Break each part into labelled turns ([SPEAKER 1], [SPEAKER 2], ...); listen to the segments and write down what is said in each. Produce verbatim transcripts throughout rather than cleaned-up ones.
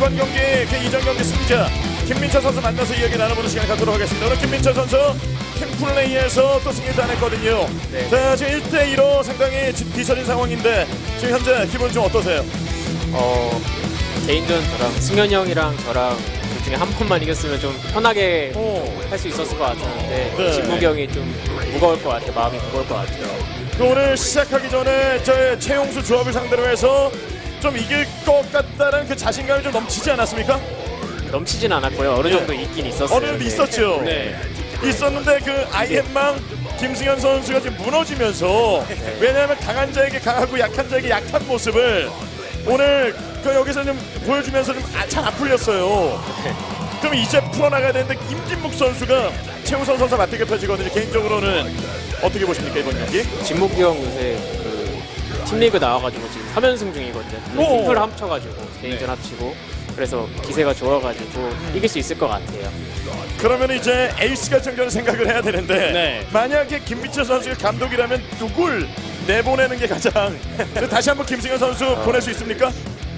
[SPEAKER 1] 이번 경기 그 이전 경기 승자 김민철 선수 만나서 이야기 나눠보는 시간 갖도록 하겠습니다. 오늘 김민철 선수 팀플레이에서 또 승리를 따냈거든요.
[SPEAKER 2] 네.
[SPEAKER 1] 자, 지금 일 대 이로 상당히 뒤처진 상황인데 지금 현재 기분 좀 어떠세요?
[SPEAKER 2] 어, 개인전 저랑 승현이 형이랑 저랑 둘 중에 한 번만 이겼으면 좀 편하게 할 수 있었을 것 같았는데
[SPEAKER 1] 네.
[SPEAKER 2] 진국이 형이 좀 무거울 것 같아요. 마음이 무거울 것 같아요.
[SPEAKER 1] 그 오늘 시작하기 전에 저 최용수 조합을 상대로 해서 좀 이길 것 같다는 그 자신감이 좀 넘치지 않았습니까?
[SPEAKER 2] 넘치진 않았고요. 어느 정도 있긴 있었어요.
[SPEAKER 1] 어느 정도 있었죠.
[SPEAKER 2] 네.
[SPEAKER 1] 있었는데 그 아이엠망 김승현 선수가 지금 무너지면서 왜냐하면 강한 자에게 강하고 약한 자에게 약한 모습을 오늘 그 여기서 좀 보여주면서 좀 잘 안 풀렸어요. 그럼 이제 풀어나가야 되는데 임진묵 선수가 최우선 선수 맞대결 펼치거든요. 개인적으로는 어떻게 보십니까 이번 경기?
[SPEAKER 2] 진국이 형 요새 그 팀리그 나와가지고 지금 삼 연승 중이거든요.
[SPEAKER 1] 오.
[SPEAKER 2] 팀플 합쳐가지고 개인전 합치고 그래서 기세가 좋아가지고 이길 수 있을 것 같아요.
[SPEAKER 1] 그러면 이제 에이스 결정전을 생각을 해야 되는데
[SPEAKER 3] 네.
[SPEAKER 1] 만약에 김민철 선수가 감독이라면 누굴 내보내는 게 가장 다시 한번 김승현 선수
[SPEAKER 2] 어.
[SPEAKER 1] 보낼 수 있습니까?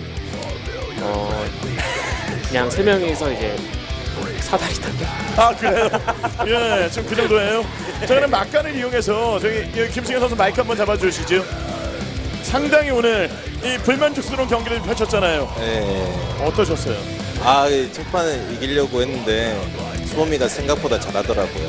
[SPEAKER 2] 어, 그냥 세 명이서 이제 사다리 타기.
[SPEAKER 1] 아 그래요? 예, 지금 그 정도예요. 저는 막간을 이용해서 저기 여기 김승현 선수 마이크 한번 잡아주시죠. 상당히 오늘 이 불만족스러운 경기를 펼쳤잖아요.
[SPEAKER 4] 네.
[SPEAKER 1] 어떠셨어요?
[SPEAKER 4] 아, 이 첫판에 이기려고 했는데 수범이가 생각보다 잘하더라고요.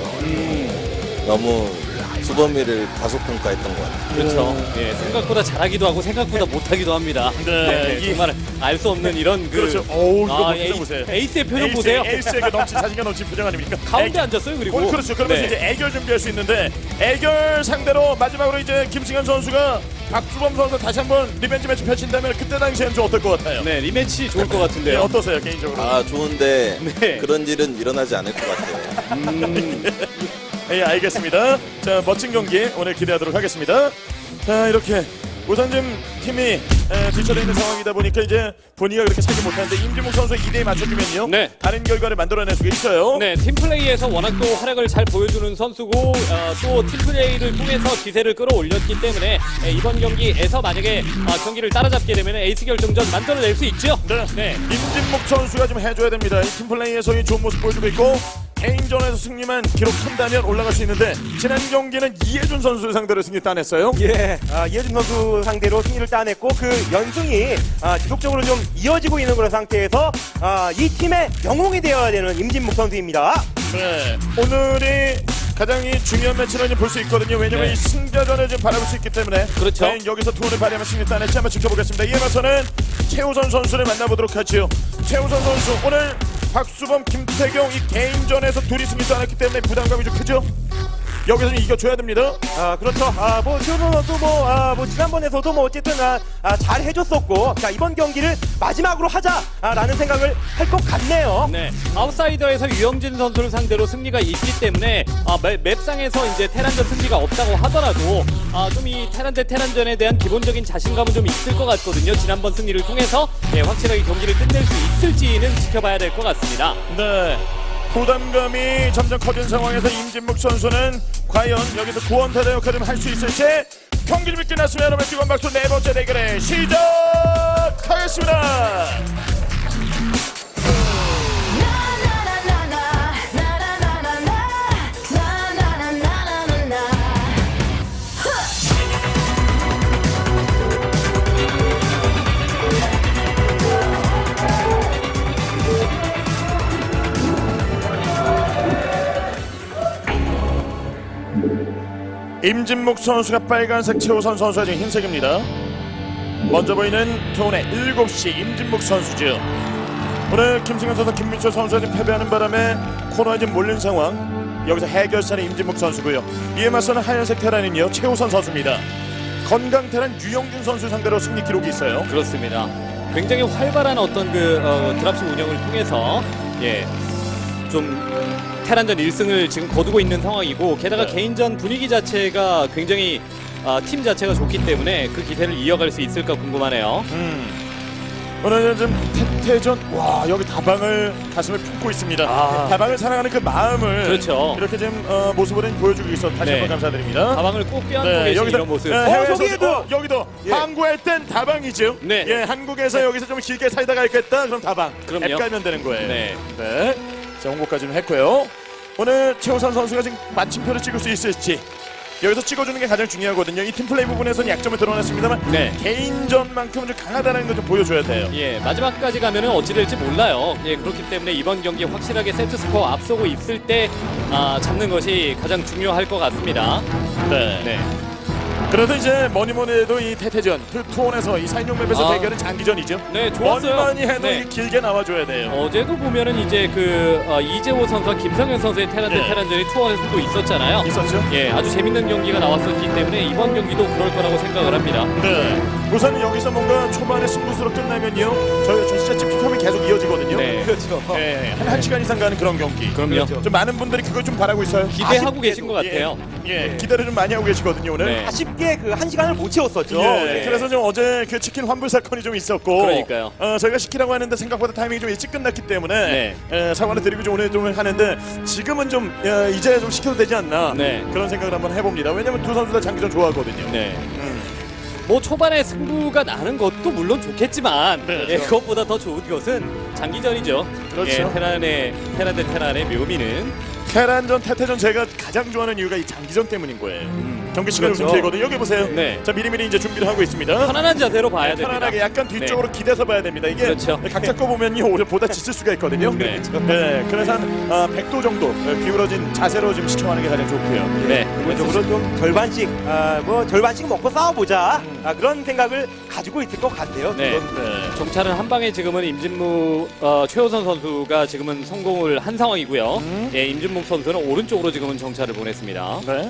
[SPEAKER 1] 음.
[SPEAKER 4] 너무 수범이를 과소평가했던 것 같아요.
[SPEAKER 3] 그렇죠. 예, 생각보다 잘하기도 하고 생각보다 못하기도 합니다.
[SPEAKER 1] 네, 이-
[SPEAKER 3] 정말 알 수 없는 이런 그
[SPEAKER 1] 그렇죠. 어우 이거
[SPEAKER 3] 아,
[SPEAKER 1] 표정
[SPEAKER 3] 에이,
[SPEAKER 1] 보세요.
[SPEAKER 3] 에이스의 표정
[SPEAKER 1] 에이스,
[SPEAKER 3] 보세요.
[SPEAKER 1] 에이스의 그 넘치 자신감 넘치 표정 아닙니까?
[SPEAKER 3] 가운데
[SPEAKER 1] 애-
[SPEAKER 3] 앉았어요. 그리고
[SPEAKER 1] 어, 그렇죠. 그러면서
[SPEAKER 3] 네.
[SPEAKER 1] 이제 애결 준비할 수 있는데 애결 상대로 마지막으로 이제 김승현 선수가 박주범 선수 다시 한번 리벤지 매치 펼친다면 그때 당시에는 좀 어떨 것 같아요?
[SPEAKER 3] 네, 리매치 좋을 것
[SPEAKER 1] 네,
[SPEAKER 3] 같은데요.
[SPEAKER 1] 어떠세요 개인적으로?
[SPEAKER 4] 아, 좋은데
[SPEAKER 3] 네.
[SPEAKER 4] 그런 일은 일어나지 않을 것 같아요.
[SPEAKER 1] 예, 알겠습니다. 자, 멋진 경기 오늘 기대하도록 하겠습니다. 자, 이렇게 우선 좀 팀이 에, 뒤쳐져 있는 상황이다 보니까 이제 본의가 그렇게 차지 못하는데 임진묵 선수의 이 대에 맞춰주면요.
[SPEAKER 3] 네.
[SPEAKER 1] 다른 결과를 만들어낼 수가 있어요.
[SPEAKER 3] 네, 팀플레이에서 워낙 또 활약을 잘 보여주는 선수고 어, 또 팀플레이를 통해서 기세를 끌어올렸기 때문에 예, 이번 경기에서 만약에 어, 경기를 따라잡게 되면 에이스 결정전 만들어낼 수 있죠.
[SPEAKER 1] 네.
[SPEAKER 3] 네.
[SPEAKER 1] 임진묵 선수가 좀 해줘야 됩니다. 이 팀플레이에서 이 좋은 모습 보여주고 있고 개인전에서 승리만 기록한다면 올라갈 수 있는데 지난 경기는 이해준 선수를 상대로 승리 따냈어요.
[SPEAKER 5] 예, 아, 이해준 선수 상대로 승리를 따냈고 그 연승이 아, 지속적으로 좀 이어지고 있는 그런 상태에서 아, 이 팀의 영웅이 되어야 되는 임진묵 선수입니다.
[SPEAKER 1] 네. 오늘이 가장 이 중요한 매치를 볼 수 있거든요. 왜냐면
[SPEAKER 3] 네.
[SPEAKER 1] 이 승자전을 좀 바라볼 수 있기 때문에
[SPEAKER 3] 그렇죠.
[SPEAKER 1] 과연 여기서 투혼을 발휘하면 승리 따낼지 한번 지켜보겠습니다. 이에 맞서는 최우선 선수를 만나보도록 하지요. 최우선 선수 오늘 박수범, 김태경 이 개인전에서 둘이 승리 따냈기 때문에 부담감이 좀 크죠? 여기서는 이겨줘야 됩니다.
[SPEAKER 5] 아, 그렇죠. 아, 뭐 최우선 선수 뭐, 아, 뭐 지난번에서도 뭐 어쨌든 아, 아, 잘 해줬었고, 자 이번 경기를 마지막으로 하자라는 생각을 할 것 같네요.
[SPEAKER 3] 네, 아웃사이더에서 유영진 선수를 상대로 승리가 있기 때문에 아, 맵, 맵상에서 이제 테란전 승리가 없다고 하더라도 아, 좀 이 테란 대 테란전에 대한 기본적인 자신감은 좀 있을 것 같거든요. 지난번 승리를 통해서 네, 확실하게 경기를 끝낼 수 있을지는 지켜봐야 될 것 같습니다.
[SPEAKER 1] 네. 부담감이 점점 커진 상황에서 임진묵 선수는 과연 여기서 구원타자 역할을 할 수 있을지 경기 준비 끝났으면 여러분 뜨거운 박수 네 번째 대결에 시작하겠습니다. 임진묵 선수가 빨간색, 최우선 선수가 지금 흰색입니다. 먼저 보이는 투혼의 일곱 시 임진묵 선수죠. 오늘 김승현 선수, 김민철 선수가 지금 패배하는 바람에 코너에 지금 몰린 상황. 여기서 해결사는 임진묵 선수고요. 이에 맞서는 하얀색 테란은요 최우선 선수입니다. 건강 테란 유영준 선수 상대로 승리 기록이 있어요.
[SPEAKER 3] 그렇습니다. 굉장히 활발한 어떤 그 어, 드랍십 운영을 통해서 예, 좀 테란전 일 승을 지금 거두고 있는 상황이고 게다가
[SPEAKER 1] 네.
[SPEAKER 3] 개인전 분위기 자체가 굉장히 아, 팀 자체가 좋기 때문에 그 기세를 이어갈 수 있을까 궁금하네요.
[SPEAKER 1] 음. 오늘 좀 태태전 와 여기 다방을 가슴에 품고 있습니다.
[SPEAKER 3] 아.
[SPEAKER 1] 다방을 사랑하는 그 마음을
[SPEAKER 3] 그렇죠.
[SPEAKER 1] 이렇게 좀 어, 모습으로 보여주고 있어 다시
[SPEAKER 3] 네.
[SPEAKER 1] 한번 감사드립니다.
[SPEAKER 3] 가방을 꼭 껴안고 계신 이런 모습.
[SPEAKER 1] 네,
[SPEAKER 5] 어,
[SPEAKER 1] 해외에서
[SPEAKER 5] 저기에도!
[SPEAKER 1] 어, 여기도
[SPEAKER 5] 예.
[SPEAKER 1] 항구할 땐 다방이죠.
[SPEAKER 3] 네.
[SPEAKER 1] 예, 한국에서 여기서 좀 길게 살다가 있겠다. 그럼 다방.
[SPEAKER 3] 그럼요.
[SPEAKER 1] 앱 깔면 되는 거예요.
[SPEAKER 3] 네.
[SPEAKER 1] 네. 자, 홍보까지 좀 했고요. 오늘 최우선 선수가 지금 마침표를 찍을 수 있을지 여기서 찍어주는 게 가장 중요하거든요. 이 팀플레이 부분에서는 약점을 드러냈습니다만
[SPEAKER 3] 네.
[SPEAKER 1] 개인전만큼은 좀 강하다는 걸 좀 보여줘야 돼요.
[SPEAKER 3] 예, 마지막까지 가면은 어찌 될지 몰라요. 예, 그렇기 때문에 이번 경기 확실하게 세트 스코어 앞서고 있을 때 아, 잡는 것이 가장 중요할 것 같습니다.
[SPEAKER 1] 네.
[SPEAKER 3] 네.
[SPEAKER 1] 그래도 이제 뭐니뭐니 해도 이 태태전 그 투혼에서 이 사인용 맵에서
[SPEAKER 3] 아.
[SPEAKER 1] 대결은 장기전이죠.
[SPEAKER 3] 네, 좋았어요.
[SPEAKER 1] 뭐니뭐니 해도
[SPEAKER 3] 네.
[SPEAKER 1] 이게 길게 나와줘야 돼요.
[SPEAKER 3] 어제도 보면은 이제 그 어, 이재호 선수와 김성현 선수의 테란 대
[SPEAKER 1] 네.
[SPEAKER 3] 테란전이 투어에서 또 있었잖아요.
[SPEAKER 1] 있었죠?
[SPEAKER 3] 예, 아주 재밌는 경기가 나왔었기 때문에 이번 경기도 그럴 거라고 생각을 합니다.
[SPEAKER 1] 네. 우선 여기서 뭔가 초반에 승부수로 끝나면요. 저희 저 진짜 집중하면 계속 이어지거든요.
[SPEAKER 3] 네.
[SPEAKER 5] 그렇죠.
[SPEAKER 1] 네. 한, 한 시간 이상 가는 그런 경기.
[SPEAKER 3] 그럼요.
[SPEAKER 1] 좀 많은 분들이 그걸 좀 바라고 있어요.
[SPEAKER 3] 기대하고
[SPEAKER 5] 아쉽게도,
[SPEAKER 3] 계신 것 같아요.
[SPEAKER 1] 예. 예. 기대를 좀 많이 하고 계시거든요, 오늘.
[SPEAKER 3] 네.
[SPEAKER 5] 아쉽게 그 한 시간을 못 채웠었죠.
[SPEAKER 1] 예,
[SPEAKER 5] 네.
[SPEAKER 1] 그래서 좀 어제 그 치킨 환불 사건이 좀 있었고,
[SPEAKER 3] 그러니까요.
[SPEAKER 1] 어, 저희가 시키라고 하는데 생각보다 타이밍이 좀 일찍 끝났기 때문에
[SPEAKER 3] 네.
[SPEAKER 1] 예, 사과를 드리고 좀 오늘 좀 하는데 지금은 좀 예, 이제 좀 시켜도 되지 않나
[SPEAKER 3] 네.
[SPEAKER 1] 그런 생각을 한번 해봅니다. 왜냐면 두 선수 다 장기전 좋아하거든요.
[SPEAKER 3] 네.
[SPEAKER 1] 음.
[SPEAKER 3] 뭐 초반에 승부가 나는 것도 물론 좋겠지만
[SPEAKER 1] 네,
[SPEAKER 3] 예,
[SPEAKER 1] 그렇죠.
[SPEAKER 3] 그것보다 더 좋은 것은 장기전이죠.
[SPEAKER 1] 그렇죠.
[SPEAKER 3] 예, 테란의 테란 대 테란의 묘미는
[SPEAKER 1] 테란전, 태태전 제가 가장 좋아하는 이유가 이 장기전 때문인 거예요. 경기 시간이 좀
[SPEAKER 5] 그렇죠.
[SPEAKER 1] 길거든요. 여기 보세요.
[SPEAKER 3] 네.
[SPEAKER 1] 자 미리미리 이제 준비를 하고 있습니다.
[SPEAKER 3] 편안한 자세로 봐야 됩니다.
[SPEAKER 1] 편안하게 약간 뒤쪽으로 기대서 봐야 됩니다. 이게
[SPEAKER 3] 그렇죠.
[SPEAKER 1] 각자 거 보면요 오히려 보다 지칠 수가 있거든요.
[SPEAKER 3] 네.
[SPEAKER 1] 네, 그래서 한 어, 백 도 정도 기울어진 자세로 좀 시청하는 게 가장 좋고요.
[SPEAKER 3] 네.
[SPEAKER 5] 기본적으로 좀 절반씩, 아, 뭐 절반씩 먹고 싸워보자. 아, 그런 생각을 가지고 있을 것 같아요.
[SPEAKER 3] 네.
[SPEAKER 5] 지금.
[SPEAKER 1] 네.
[SPEAKER 3] 정찰은 한 방에 지금은 임진무 어, 최호선 선수가 지금은 성공을 한 상황이고요.
[SPEAKER 1] 음.
[SPEAKER 3] 예, 임진묵 선수는 오른쪽으로 지금은 정찰을 보냈습니다.
[SPEAKER 1] 네.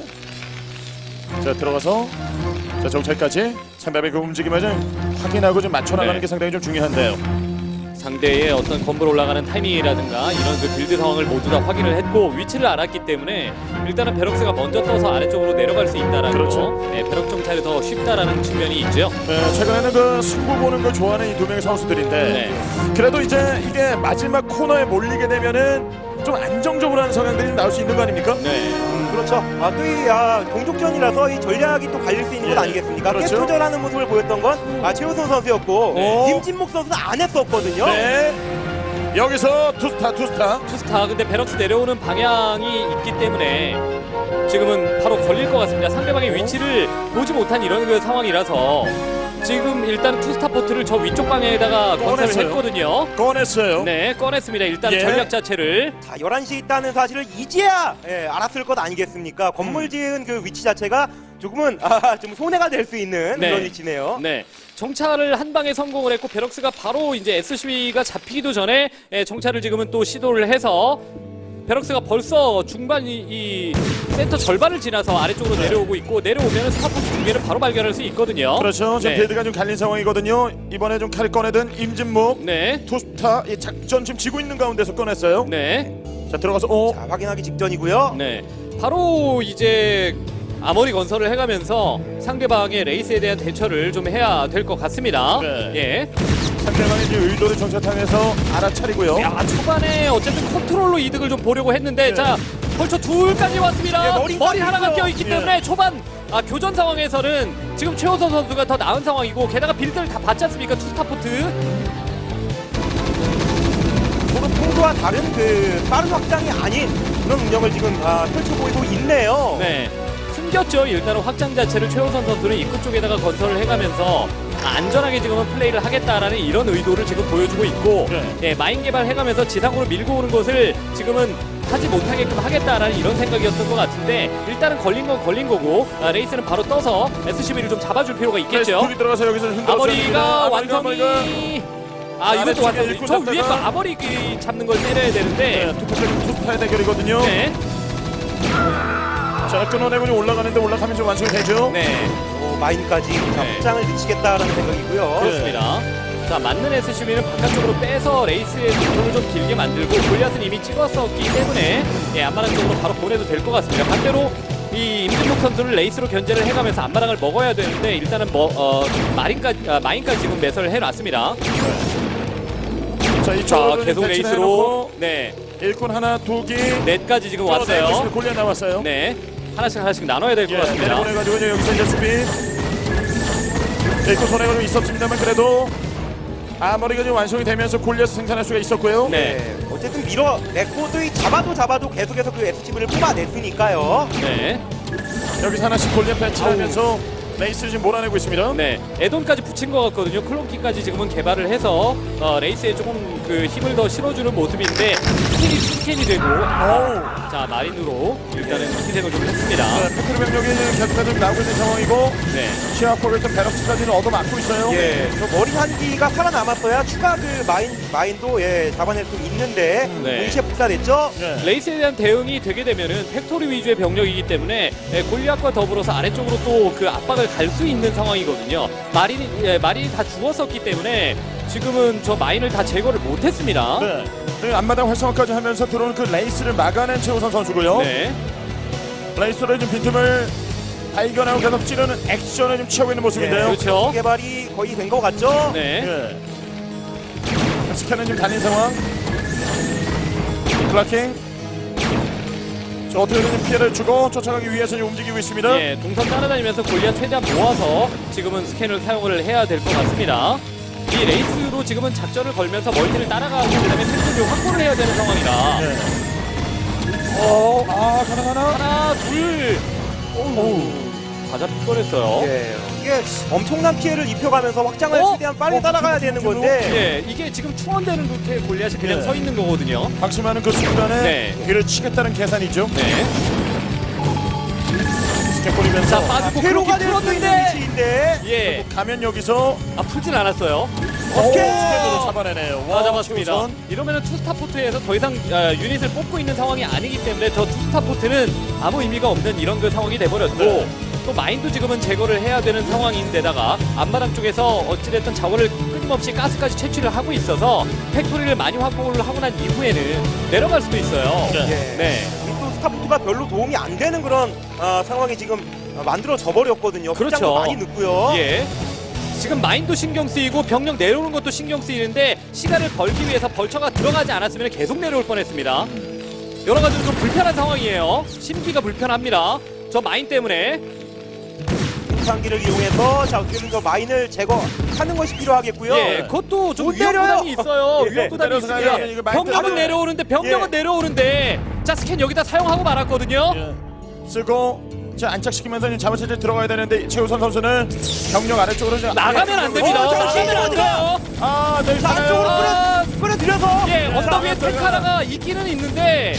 [SPEAKER 1] 자 들어가서 자 정찰까지 상대방의 그 움직임을 좀 확인하고 좀 맞춰 나가는
[SPEAKER 3] 네.
[SPEAKER 1] 게 상당히 좀 중요한데요.
[SPEAKER 3] 상대의 어떤 건물 올라가는 타이밍이라든가 이런 그 빌드 상황을 모두 다 확인을 했고 위치를 알았기 때문에 일단은 베럭스가 먼저 떠서 아래쪽으로 내려갈 수 있다라는
[SPEAKER 1] 그렇죠.
[SPEAKER 3] 거, 네, 베럭 정찰이 더 쉽다라는 측면이 있죠.
[SPEAKER 1] 네, 최근에는 그 승부 보는 걸 좋아하는 이 두 명의 선수들인데
[SPEAKER 3] 네.
[SPEAKER 1] 그래도 이제 이게 마지막 코너에 몰리게 되면은 좀 안정적으로 하는 성향들이 좀 나올 수 있는 거 아닙니까?
[SPEAKER 3] 네.
[SPEAKER 5] 그렇죠. 아, 또 이 아, 동족전이라서 이 전략이 또 갈릴 수 있는
[SPEAKER 1] 예.
[SPEAKER 5] 것 아니겠습니까?
[SPEAKER 1] 그렇죠.
[SPEAKER 5] 깨투전하는 모습을 보였던 건 아, 최우선 선수였고
[SPEAKER 1] 네.
[SPEAKER 5] 김진목 선수는 안 했었거든요.
[SPEAKER 1] 네. 여기서 투스타 투스타.
[SPEAKER 3] 투스타 근데 베럭스 내려오는 방향이 있기 때문에 지금은 바로 걸릴 것 같습니다. 상대방의 위치를 보지 못한 이런 그 상황이라서 지금 일단 투스타 포트를 저 위쪽 방향에다가 건설을
[SPEAKER 1] 꺼냈어요.
[SPEAKER 3] 했거든요.
[SPEAKER 1] 꺼냈어요.
[SPEAKER 3] 네, 꺼냈습니다. 일단
[SPEAKER 1] 예.
[SPEAKER 3] 전략 자체를.
[SPEAKER 5] 자, 열한 시에 있다는 사실을 이제야 예, 알았을 것 아니겠습니까? 건물 지은 그 위치 자체가 조금은 아, 좀 손해가 될 수 있는
[SPEAKER 3] 네.
[SPEAKER 5] 그런 위치네요.
[SPEAKER 3] 네. 정찰을 한 방에 성공을 했고 베럭스가 바로 이제 에스씨비가 잡히기도 전에 예, 정찰을 지금은 또 시도를 해서 베럭스가 벌써 중반 이, 이 센터 절반을 지나서 아래쪽으로 내려오고 있고 내려오면 스타포트 두 개를 바로 발견할 수 있거든요.
[SPEAKER 1] 그렇죠. 지금
[SPEAKER 3] 네.
[SPEAKER 1] 빌드가 좀 갈린 상황이거든요. 이번에 좀 칼을 꺼내든 임진묵
[SPEAKER 3] 네.
[SPEAKER 1] 투스타 이 작전 지금 지고 있는 가운데서 꺼냈어요.
[SPEAKER 3] 네.
[SPEAKER 1] 자 들어가서 오.
[SPEAKER 5] 자, 확인하기 직전이고요.
[SPEAKER 3] 네. 바로 이제 아머리 건설을 해가면서 상대방의 레이스에 대한 대처를 좀 해야 될 것 같습니다.
[SPEAKER 1] 네.
[SPEAKER 3] 예.
[SPEAKER 1] 상대방의 이제 의도를 정찰탕에서 알아차리고요.
[SPEAKER 3] 야, 초반에 어쨌든 컨트롤로 이득을 좀 보려고 했는데
[SPEAKER 1] 네.
[SPEAKER 3] 자 벌써 둘까지 왔습니다.
[SPEAKER 5] 예, 머리까지
[SPEAKER 3] 머리 하나가
[SPEAKER 5] 있어요.
[SPEAKER 3] 껴있기
[SPEAKER 1] 예.
[SPEAKER 3] 때문에 초반 아, 교전 상황에서는 지금 최호선 선수가 더 나은 상황이고 게다가 빌드를 다 받지 않습니까? 투스타포트.
[SPEAKER 5] 저는 평소와 다른 그 빠른 확장이 아닌 그런 운영을 지금 아, 펼쳐 보이고 있네요.
[SPEAKER 3] 네. 숨겼죠. 일단은 확장 자체를 최호선 선수는 입구 쪽에다가 건설을 해가면서 안전하게 지금은 플레이를 하겠다라는 이런 의도를 지금 보여주고 있고
[SPEAKER 1] 네.
[SPEAKER 3] 예, 마인 개발해가면서 지상으로 밀고 오는 것을 지금은 하지 못하게끔 하겠다라는 이런 생각이었던 것 같은데 일단은 걸린 건 걸린 거고 아, 레이스는 바로 떠서 에스씨비를 좀 잡아줄 필요가 있겠죠.
[SPEAKER 1] 둘이 들어가서 여기서 흔들어
[SPEAKER 3] 아머리가 완성이 아 이것도
[SPEAKER 1] 아래쪽에
[SPEAKER 3] 완성.
[SPEAKER 1] 일꾼
[SPEAKER 3] 저 위에 거
[SPEAKER 1] 잡다가
[SPEAKER 3] 아머리 그 잡는 걸 때려야 되는데
[SPEAKER 1] 네, 투스타 투스타의 대결이거든요.
[SPEAKER 3] 네.
[SPEAKER 1] 자 끊어내고 좀 올라가는데 올라가면 좀 완성이 되죠.
[SPEAKER 3] 네.
[SPEAKER 5] 어, 마인까지 자,
[SPEAKER 3] 네.
[SPEAKER 5] 확장을 늦추겠다라는 생각이고요.
[SPEAKER 3] 그렇습니다. 자, 맞는 에스씨비는 바깥쪽으로 빼서 레이스의 속도를 좀 길게 만들고 골리앗은 이미 찍었었기 때문에 예, 안마랑 쪽으로 바로 보내도 될 것 같습니다. 반대로 이 임진묵 선수를 레이스로 견제를 해가면서 안마랑을 먹어야 되는데 일단은 뭐 어, 마린까지 아, 마인까지 지금 매설을 해놨습니다.
[SPEAKER 1] 자, 이쪽으로
[SPEAKER 3] 자, 계속
[SPEAKER 1] 배치를
[SPEAKER 3] 레이스로
[SPEAKER 1] 해놓고
[SPEAKER 3] 네
[SPEAKER 1] 일꾼 하나, 두기
[SPEAKER 3] 넷까지 지금 왔어요.
[SPEAKER 1] 골리앗 나왔어요.
[SPEAKER 3] 네, 하나씩 하나씩 나눠야 될 것
[SPEAKER 1] 예,
[SPEAKER 3] 같습니다.
[SPEAKER 1] 내려보내가지고 이제 여기서 이제 수비 일꾼 손해가 좀 있었습니다만 그래도 아머리가 좀 완성이 되면서 골리앗 생산할 수가 있었고요.
[SPEAKER 3] 네.
[SPEAKER 5] 네, 어쨌든 밀어냈고 또 이 잡아도 잡아도 계속해서 그 에스씨브이를 뽑아냈으니까요.
[SPEAKER 3] 네,
[SPEAKER 1] 여기서 하나씩 골리앗 배치하면서 레이스를 지금 몰아내고 있습니다.
[SPEAKER 3] 네, 에돈까지 붙인 것 같거든요. 클론키까지 지금은 개발을 해서 어, 레이스에 조금 그 힘을 더 실어주는 모습인데 스캔이 스캔이 되고 아, 자 마린으로 일단은 희생을 좀 했습니다.
[SPEAKER 1] 네, 페트로 병력이 계속해서 나오고 있는 상황이고
[SPEAKER 3] 네,
[SPEAKER 1] 시아포 일단 베럭스까지는 얻어맞고 있어요.
[SPEAKER 5] 예, 저 머리 한 기가 살아남았어야 추가 그 마인 마인도 예 잡아낼 수 있는데
[SPEAKER 3] 네.
[SPEAKER 5] 동시에 복사됐죠.
[SPEAKER 1] 네.
[SPEAKER 3] 레이스에 대한 대응이 되게 되면은 팩토리 위주의 병력이기 때문에 예, 골리앗과 더불어서 아래쪽으로 또 그 압박을 갈 수 있는 상황이거든요. 마린이 예, 마린이 다 죽었었기 때문에 지금은 저 마인을 다 제거를 못했습니다.
[SPEAKER 1] 네. 네, 앞마당 활성화까지 하면서 들어오는 그 레이스를 막아낸 최우선 선수고요.
[SPEAKER 3] 네.
[SPEAKER 1] 레이스로 좀 빈틈을 발견하고 계속 찌르는 액션을 좀 취하고 있는 모습인데요.
[SPEAKER 3] 그렇죠.
[SPEAKER 5] 개발이 거의 된 것 같죠.
[SPEAKER 3] 네.
[SPEAKER 1] 예. 스캔은 지금 달린 상황. 클라킹. 자, 어떻게든 좀 피해를 주고 쫓아가기 위해서 지금 움직이고 있습니다.
[SPEAKER 3] 예, 동선 따라다니면서 골리앗 최대한 모아서 지금은 스캔을 사용을 해야 될 것 같습니다. 이 레이스로 지금은 작전을 걸면서 멀티를 따라가고 그다음에 템포를 확보를 해야 되는 상황이라
[SPEAKER 1] 네. 어, 아, 가능하나?
[SPEAKER 3] 하나, 둘, 오우, 다 잡힐 뻔했어요.
[SPEAKER 5] 예, 이게 엄청난 피해를 입혀가면서 확장을
[SPEAKER 3] 어?
[SPEAKER 5] 최대한 빨리
[SPEAKER 1] 어,
[SPEAKER 5] 따라가야
[SPEAKER 1] 그,
[SPEAKER 5] 되는
[SPEAKER 1] 그, 그,
[SPEAKER 5] 건데
[SPEAKER 3] 예, 이게 지금 투원되는 루트에 골리앗이 그냥
[SPEAKER 1] 네.
[SPEAKER 3] 서 있는 거거든요.
[SPEAKER 1] 방심하는 그 순간에
[SPEAKER 3] 네.
[SPEAKER 1] 뒤를 치겠다는 계산이죠.
[SPEAKER 3] 네.
[SPEAKER 1] 스캔 뿌리면서
[SPEAKER 3] 자, 빠지고 그렇게
[SPEAKER 5] 회로가 될 수 있는
[SPEAKER 3] 풀었는데,
[SPEAKER 5] 위치인데
[SPEAKER 3] 예,
[SPEAKER 1] 가면 여기서
[SPEAKER 3] 아 풀진 않았어요.
[SPEAKER 1] 오케이 스캔으로 잡아내네요.
[SPEAKER 3] 다 잡았습니다.
[SPEAKER 1] 최우선.
[SPEAKER 3] 이러면은 투스타포트에서 더 이상 아, 유닛을 뽑고 있는 상황이 아니기 때문에 저 투스타포트는 아무 의미가 없는 이런 그 상황이 돼버렸고
[SPEAKER 1] 네.
[SPEAKER 3] 또 마인도 지금은 제거를 해야 되는 상황인데다가 앞마당 쪽에서 어찌됐든 자원을 끊임없이 가스까지 채취를 하고 있어서 팩토리를 많이 확보를 하고 난 이후에는 내려갈 수도 있어요.
[SPEAKER 1] 네.
[SPEAKER 5] 예.
[SPEAKER 3] 네.
[SPEAKER 5] 또 스타포트가 별로 도움이 안 되는 그런 어, 상황이 지금 어, 만들어져 버렸거든요.
[SPEAKER 3] 그렇죠.
[SPEAKER 5] 확장도 많이 늦고요.
[SPEAKER 3] 예. 지금 마인도 신경 쓰이고 병력 내려오는 것도 신경 쓰이는데 시간을 벌기 위해서 벌처가 들어가지 않았으면 계속 내려올 뻔했습니다. 여러 가지로 좀 불편한 상황이에요. 심기가 불편합니다. 저 마인 때문에.
[SPEAKER 5] 상기를 이용해서 자 어떻게든 저 마인을 제거하는 것이 필요하겠고요.
[SPEAKER 3] 예, 그것도 좀
[SPEAKER 5] 못
[SPEAKER 3] 위험
[SPEAKER 5] 내려요.
[SPEAKER 3] 부담이 있어요.
[SPEAKER 5] 예,
[SPEAKER 3] 위험 부담이
[SPEAKER 1] 내려서 가야 되는 이거
[SPEAKER 3] 있습니다.
[SPEAKER 1] 마인
[SPEAKER 3] 병력은
[SPEAKER 1] 때문에.
[SPEAKER 3] 내려오는데 병력은
[SPEAKER 5] 예.
[SPEAKER 3] 내려오는데 자 스캔 여기다 사용하고 말았거든요.
[SPEAKER 1] 예. 쓰고 자 안착시키면서 이제 자원체제 들어가야 되는데 최우선 선수는 경력 아래쪽으로 좀
[SPEAKER 3] 나가면 안 됩니다.
[SPEAKER 5] 어,
[SPEAKER 3] 나가면 안
[SPEAKER 5] 잠시만요.
[SPEAKER 3] 돼요.
[SPEAKER 1] 아, 네,
[SPEAKER 5] 자
[SPEAKER 1] 가나요?
[SPEAKER 5] 안쪽으로
[SPEAKER 3] 아,
[SPEAKER 5] 끌어 끌어들여서
[SPEAKER 3] 예, 언덕 위에
[SPEAKER 1] 자,
[SPEAKER 3] 탱크 하나가 있기는 있는데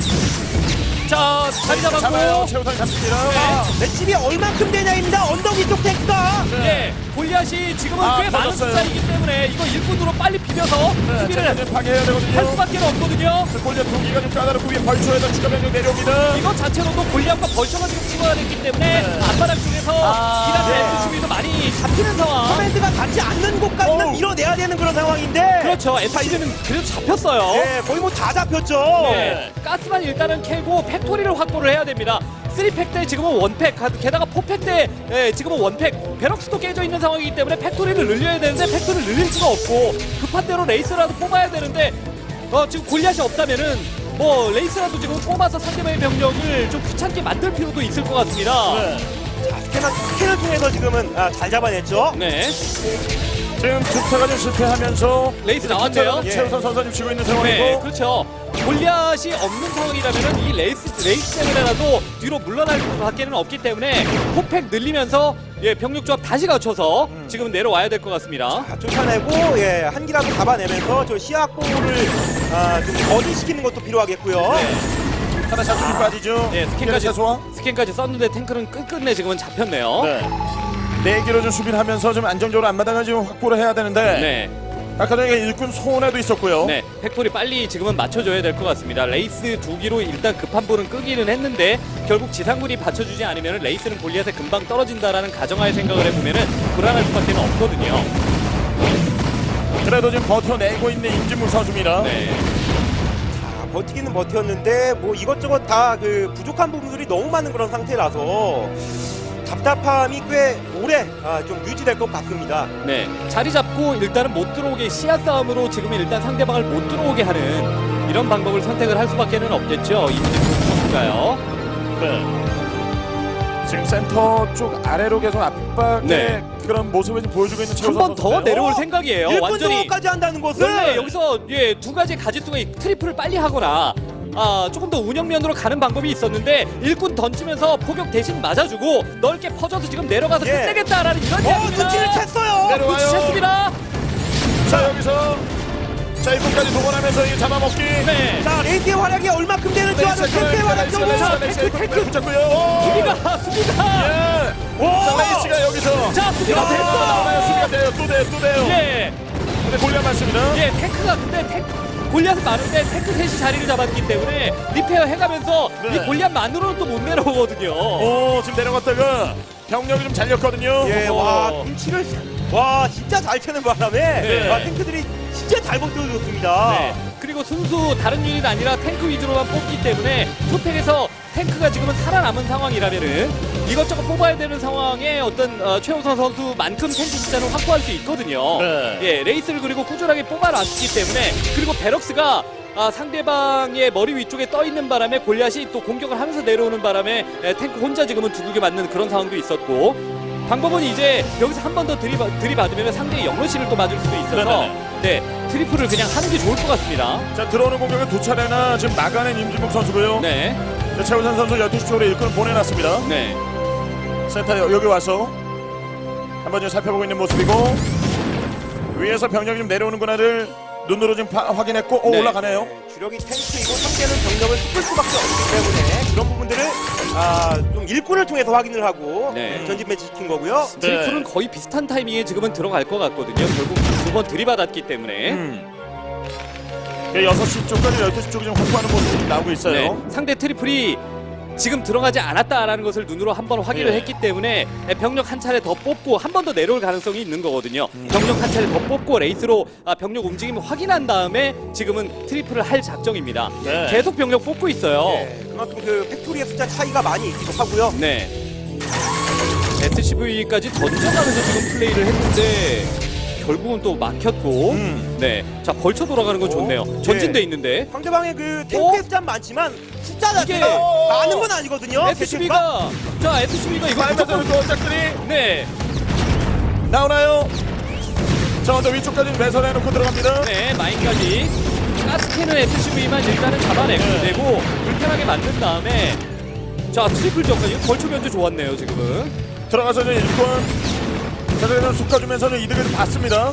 [SPEAKER 3] 자 자리
[SPEAKER 1] 잡아요.
[SPEAKER 3] 잡았고
[SPEAKER 1] 최우선 잡습니다.
[SPEAKER 5] 아, 맷집이 얼만큼 되냐입니다. 언덕 위쪽 탱크가
[SPEAKER 3] 예, 골리앗이 지금은
[SPEAKER 1] 아,
[SPEAKER 3] 꽤 많은
[SPEAKER 1] 터졌어요.
[SPEAKER 3] 숫자이기 때문에 이거 일꾼으로 빨리 비벼서
[SPEAKER 1] 네,
[SPEAKER 3] 수비를
[SPEAKER 1] 자, 이제 파괴해야 되거든요.
[SPEAKER 3] 할 수밖에 없거든요.
[SPEAKER 1] 골리앗 두 기가 좀 까다롭고 위에 벌초에다 추가 병력 내려옵니다.
[SPEAKER 3] 이거 자체로도 골리앗과 벌처가 지금 치고가 됐기 때문에
[SPEAKER 1] 네.
[SPEAKER 3] 앞바닥 쪽에서
[SPEAKER 1] 아,
[SPEAKER 3] 이란의
[SPEAKER 1] 네.
[SPEAKER 3] 에스씨브이도 많이 잡히는 상황.
[SPEAKER 5] 커맨드가 닿지 않는 곳까지는
[SPEAKER 1] 어우.
[SPEAKER 5] 밀어내야 되는 그런 상황인데
[SPEAKER 3] 그렇죠. 에스씨브이는 그래도 잡혔어요.
[SPEAKER 5] 예, 거의 뭐 다 잡혔죠.
[SPEAKER 3] 네. 가스만 일단은 캐고 팩토리를 확보를 해야 됩니다. 쓰리팩 때 지금은 원팩, 게다가 포팩 때 예, 지금은 원팩, 베럭스도 깨져 있는 상황이기 때문에 팩토리를 늘려야 되는데 팩토리를 늘릴 수가 없고 급한 대로 레이스라도 뽑아야 되는데 어, 지금 골리앗이 없다면은 뭐 레이스라도 지금 뽑아서 상대방의 병력을 좀 귀찮게 만들 필요도 있을 것 같습니다.
[SPEAKER 1] 네.
[SPEAKER 5] 자, 스캔을, 스캔을 통해서 지금은 아, 잘 잡아냈죠.
[SPEAKER 3] 네.
[SPEAKER 1] 지금 투타가 좀 실패하면서
[SPEAKER 3] 레이스 나왔네요.
[SPEAKER 1] 예. 최우선 선수 좀 쥐고 있는
[SPEAKER 3] 네,
[SPEAKER 1] 상황이고
[SPEAKER 3] 그렇죠. 골리앗이 없는 상황이라면은 이 레이스 레이스 때문에라도 뒤로 물러날 수밖에는 없기 때문에 포팩 늘리면서 예 병력 조합 다시 갖춰서
[SPEAKER 1] 음.
[SPEAKER 3] 지금 내려와야 될 것 같습니다.
[SPEAKER 5] 자, 쫓아내고 예, 한 기라도 잡아내면서 저 시야골을 아, 좀 거디시키는 것도 필요하겠고요.
[SPEAKER 1] 하나 잡히기 빠지죠.
[SPEAKER 3] 네, 스캔까지
[SPEAKER 1] 소화.
[SPEAKER 3] 스캔까지 썼는데 탱크는 끝끝내 지금은 잡혔네요.
[SPEAKER 1] 네. 네 개로 좀 수비를 하면서 좀 안정적으로 앞마당을 지금 확보를 해야 되는데
[SPEAKER 3] 네.
[SPEAKER 1] 아까 전에 일꾼 손해도 있었고요.
[SPEAKER 3] 네, 팩토리 빨리 지금은 맞춰줘야 될 것 같습니다. 레이스 두 기로 일단 급한 볼은 끄기는 했는데 결국 지상군이 받쳐주지 않으면 레이스는 골리앗에 금방 떨어진다라는 가정하에 생각을 해보면은 불안할 수밖에 없거든요.
[SPEAKER 1] 그래도 지금 버텨내고 있는 임진묵 선수입니다.
[SPEAKER 3] 네.
[SPEAKER 5] 자, 버티기는 버텼는데 뭐 이것저것 다 그 부족한 부분들이 너무 많은 그런 상태라서 답답함이 꽤 오래 아, 좀 유지될 것 같습니다.
[SPEAKER 3] 네, 자리 잡고 일단은 못 들어오게 시야 싸움으로 지금 일단 상대방을 못 들어오게 하는 이런 방법을 선택을 할 수밖에는 없겠죠. 임진묵 선수가요.
[SPEAKER 1] 네. 지금 센터 쪽 아래로 계속 압박의
[SPEAKER 3] 네.
[SPEAKER 1] 그런 모습을 좀 보여주고 있는
[SPEAKER 3] 한
[SPEAKER 1] 최우선
[SPEAKER 3] 번 더
[SPEAKER 1] 선수인데요.
[SPEAKER 3] 내려올 생각이에요.
[SPEAKER 5] 일 분
[SPEAKER 3] 완전히.
[SPEAKER 5] 정도까지 한다는 것은
[SPEAKER 3] 원래 여기서 예, 두 가지 가짓수가 있- 트리플을 빨리 하거나 아, 조금 더 운영면으로 가는 방법이 있었는데 일꾼 던지면서 포격 대신 맞아주고 넓게 퍼져서 지금 내려가서
[SPEAKER 5] 예.
[SPEAKER 3] 끝내겠다라는 이런
[SPEAKER 5] 어,
[SPEAKER 3] 이야기입니다.
[SPEAKER 5] 눈치를 챘어요.
[SPEAKER 1] 내려와요.
[SPEAKER 3] 눈치챘습니다.
[SPEAKER 1] 자 여기서 자 이분까지 동원하면서 이 잡아먹기.
[SPEAKER 3] 네.
[SPEAKER 5] 자, 레이스의 활약이 얼마큼 되는지 아주 탱크의 활약적으로.
[SPEAKER 3] 자, 탱크, 탱크.
[SPEAKER 1] 붙잡고요.
[SPEAKER 3] 수비가 수비가
[SPEAKER 1] 예.
[SPEAKER 5] 오!
[SPEAKER 1] 자 레이스가 여기서
[SPEAKER 3] 자 수비가
[SPEAKER 1] 야, 나와요. 수비가
[SPEAKER 3] 됐어.
[SPEAKER 1] 돼요. 또 돼요. 또 돼요.
[SPEAKER 3] 예.
[SPEAKER 1] 근데 골리앗 많습니다.
[SPEAKER 3] 예, 탱크가 근데 탱 골리앗은 많은데 탱크 셋이 자리를 잡았기 때문에 리페어 해가면서
[SPEAKER 1] 네.
[SPEAKER 3] 이 골리앗만으로는 또 못 내려오거든요.
[SPEAKER 1] 오 지금 내려갔다가 병력이 좀 잘렸거든요.
[SPEAKER 5] 예,
[SPEAKER 3] 어.
[SPEAKER 5] 와, 눈치를 와, 진짜 잘 채는 바람에
[SPEAKER 1] 네.
[SPEAKER 5] 와, 탱크들이 진짜 잘 버텨줬습니다.
[SPEAKER 3] 네. 그리고 순수 다른 유닛 아니라 탱크 위주로만 뽑기 때문에 투팩에서 탱크가 지금은 살아남은 상황이라면은 이것저것 뽑아야 되는 상황에 어떤 어, 최우선 선수만큼 탱크 숫자는 확보할 수 있거든요.
[SPEAKER 1] 네.
[SPEAKER 3] 예, 레이스를 그리고 꾸준하게 뽑아놨기 때문에 그리고 베럭스가 아, 상대방의 머리 위쪽에 떠 있는 바람에 골리앗이 또 공격을 하면서 내려오는 바람에 에, 탱크 혼자 지금은 두들겨 맞는 그런 상황도 있었고 방법은 이제 여기서 한 번 더 들이받, 들이받으면 상대의 영러시를 또 맞을 수도 있어서
[SPEAKER 1] 네네.
[SPEAKER 3] 네 트리플을 그냥 하는 게 좋을 것 같습니다.
[SPEAKER 1] 자 들어오는 공격을 두 차례나 지금 막아낸 임진묵 선수고요.
[SPEAKER 3] 네,
[SPEAKER 1] 자, 최우선 선수 열두 시 쪽으로 일꾼을 보내놨습니다.
[SPEAKER 3] 네.
[SPEAKER 1] 센터 여- 여기 와서 한번 좀 살펴보고 있는 모습이고 위에서 병력이 좀 내려오는구나를 눈으로 좀 파- 확인했고 오
[SPEAKER 3] 네.
[SPEAKER 1] 올라가네요.
[SPEAKER 5] 네, 주력이 탱크이고 상대는 병력을 쏟을 수밖에 없기 때문에 그런 부분들을 아, 좀 일꾼을 통해서 확인을 하고
[SPEAKER 3] 네.
[SPEAKER 5] 전진 매치 시킨 거고요.
[SPEAKER 1] 네.
[SPEAKER 3] 트리플은 거의 비슷한 타이밍에 지금은 들어갈 것 같거든요. 결국 두 번 들이받았기 때문에.
[SPEAKER 1] 음. 그 여섯 시 쪽까지 열두 시 쪽이 좀 확보하는 모습이 좀 나오고 있어요.
[SPEAKER 3] 네, 상대 트리플이 지금 들어가지 않았다라는 것을 눈으로 한번 확인을
[SPEAKER 1] 예.
[SPEAKER 3] 했기 때문에 병력 한 차례 더 뽑고 한 번 더 내려올 가능성이 있는 거거든요.
[SPEAKER 1] 음.
[SPEAKER 3] 병력 한 차례 더 뽑고 레이스로 아, 병력 움직임을 확인한 다음에 지금은 트리플을 할 작정입니다.
[SPEAKER 1] 네.
[SPEAKER 3] 계속 병력 뽑고 있어요.
[SPEAKER 5] 네, 그만큼 그 팩토리의 숫자 차이가 많이 있기도 하고요.
[SPEAKER 3] 네. 에스씨브이까지 던져가면서 지금 플레이를 했는데 결국은 또 막혔고
[SPEAKER 1] 음.
[SPEAKER 3] 네. 자 벌쳐 돌아가는 건 좋네요.
[SPEAKER 5] 오,
[SPEAKER 3] 전진돼
[SPEAKER 5] 예.
[SPEAKER 3] 있는데
[SPEAKER 5] 상대방의 그 탱크의
[SPEAKER 3] 어?
[SPEAKER 5] 숫자는 많지만 숫자 자체가
[SPEAKER 3] 이게-
[SPEAKER 5] 많은 건 아니거든요. 개체수가.
[SPEAKER 3] 에스씨브이가 자 에스씨브이가 이거
[SPEAKER 1] 빨면서
[SPEAKER 3] 무조건
[SPEAKER 1] 또 짝들이
[SPEAKER 3] 네.
[SPEAKER 1] 나오나요? 자 먼저 위쪽까지 매설해놓고 들어갑니다.
[SPEAKER 3] 네, 마인까지 가스캔은 에스씨브이만 일단은 잡아내고
[SPEAKER 1] 네.
[SPEAKER 3] 되고 불편하게 만든 다음에 자 트리플 점까지 벌초 견제 좋았네요 지금은.
[SPEAKER 1] 들어가서 좀 일꾼 자들에서 솎아주면서 좀 이득을 좀 봤습니다.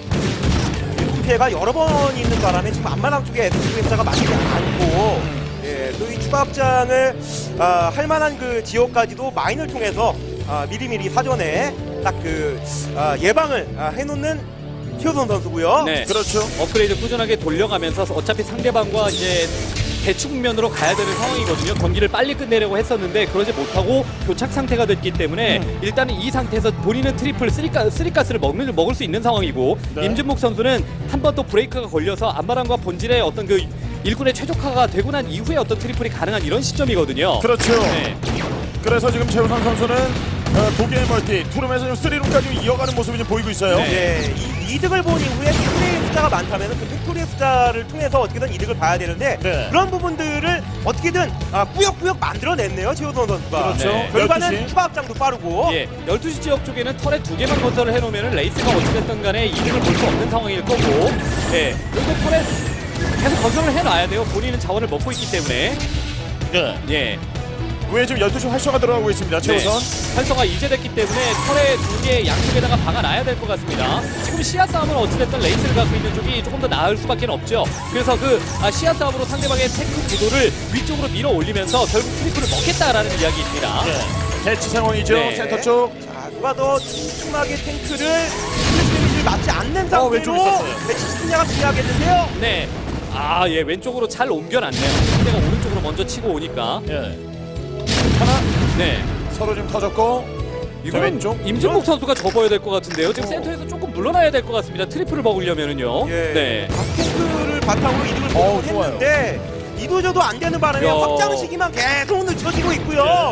[SPEAKER 5] 일꾼 피해가 여러 번 있는 바람에 지금 앞마당 쪽에 에스씨브이 숫자가 많지 않고 예, 또 이 추가 확장을 아, 할 만한 그 지역까지도 마인을 통해서 아, 미리미리 사전에 딱 그 아, 예방을 아, 해놓는 최우선 선수고요.
[SPEAKER 3] 네.
[SPEAKER 1] 그렇죠.
[SPEAKER 3] 업그레이드 꾸준하게 돌려가면서 어차피 상대방과 이제 대치 국면으로 가야 되는 상황이거든요. 경기를 빨리 끝내려고 했었는데 그러지 못하고 교착 상태가 됐기 때문에
[SPEAKER 1] 음.
[SPEAKER 3] 일단은 이 상태에서 본인은 트리플 쓰리가, 쓰리가스를 먹는, 먹을 수 있는 상황이고
[SPEAKER 1] 네.
[SPEAKER 3] 임진묵 선수는 한 번 또 브레이크가 걸려서 안마랑과 본질의 어떤 그 일군의 최적화가 되고 난 이후에 어떤 트리플이 가능한 이런 시점이거든요.
[SPEAKER 1] 그렇죠.
[SPEAKER 3] 네.
[SPEAKER 1] 그래서 지금 최우선 선수는 어, 독일 멀티 투룸에서 지금 쓰리룸까지 이어가는 모습이 좀 보이고 있어요.
[SPEAKER 3] 네.
[SPEAKER 5] 예, 이, 이득을 본 이후에 팩토리의 숫자가 많다면 그 팩토리의 숫자를 통해서 어떻게든 이득을 봐야 되는데
[SPEAKER 1] 네.
[SPEAKER 5] 그런 부분들을 어떻게든 아, 꾸역꾸역 만들어냈네요 최우선 선수가.
[SPEAKER 1] 그렇죠.
[SPEAKER 3] 네.
[SPEAKER 5] 결과는
[SPEAKER 1] 열두 시.
[SPEAKER 5] 추가 확장도 빠르고.
[SPEAKER 3] 예, 열두 시 지역 쪽에는 털에 두 개만 건설을 해놓으면 레이스가 어찌됐든 간에 이득을 볼 수 없는 상황일 거고 예, 그리고 털에 계속 건설을 해놔야 돼요. 본인은 자원을 먹고 있기 때문에
[SPEAKER 1] 네.
[SPEAKER 3] 예,
[SPEAKER 1] 위에 지금 열두 시 활성화 들어가고 있습니다. 최우선.
[SPEAKER 3] 네, 활성화 이제 됐기 때문에 털에 두 개 양쪽에다가 박아놔야 될 것 같습니다. 지금 시야 싸움은 어찌됐든 레이스를 갖고 있는 쪽이 조금 더 나을 수밖에 없죠. 그래서 그 아, 시야 싸움으로 상대방의 탱크 구도를 위쪽으로 밀어 올리면서 결국 트리플을 먹겠다라는 이야기입니다.
[SPEAKER 1] 네. 대치 상황이죠.
[SPEAKER 3] 네.
[SPEAKER 1] 센터 쪽.
[SPEAKER 5] 자, 누가 더 촘촘하게 탱크를 스트레스를 맞지 않는
[SPEAKER 1] 어, 왼쪽에
[SPEAKER 5] 상태로
[SPEAKER 1] 있었어요.
[SPEAKER 5] 배치시키냐가 중요하겠는데요.
[SPEAKER 3] 네. 아, 예, 왼쪽으로 잘 옮겨놨네요. 상대가 오른쪽으로 먼저 치고 오니까.
[SPEAKER 1] 예. 하나
[SPEAKER 3] 네.
[SPEAKER 1] 서로 지금 터졌고. 자,
[SPEAKER 3] 이거는
[SPEAKER 1] 왼쪽.
[SPEAKER 3] 임진묵 선수가 접어야 될 것 같은데요. 지금
[SPEAKER 1] 어.
[SPEAKER 3] 센터에서 조금 물러나야 될 것 같습니다. 트리플을 먹으려면은요.
[SPEAKER 5] 예.
[SPEAKER 3] 네.
[SPEAKER 5] 탱크를 바탕으로 이득을
[SPEAKER 1] 어우,
[SPEAKER 5] 보고 했는데 이도저도 안 되는 바람에
[SPEAKER 3] 야.
[SPEAKER 5] 확장 시기만 계속 늦춰지고 있고요.
[SPEAKER 3] 이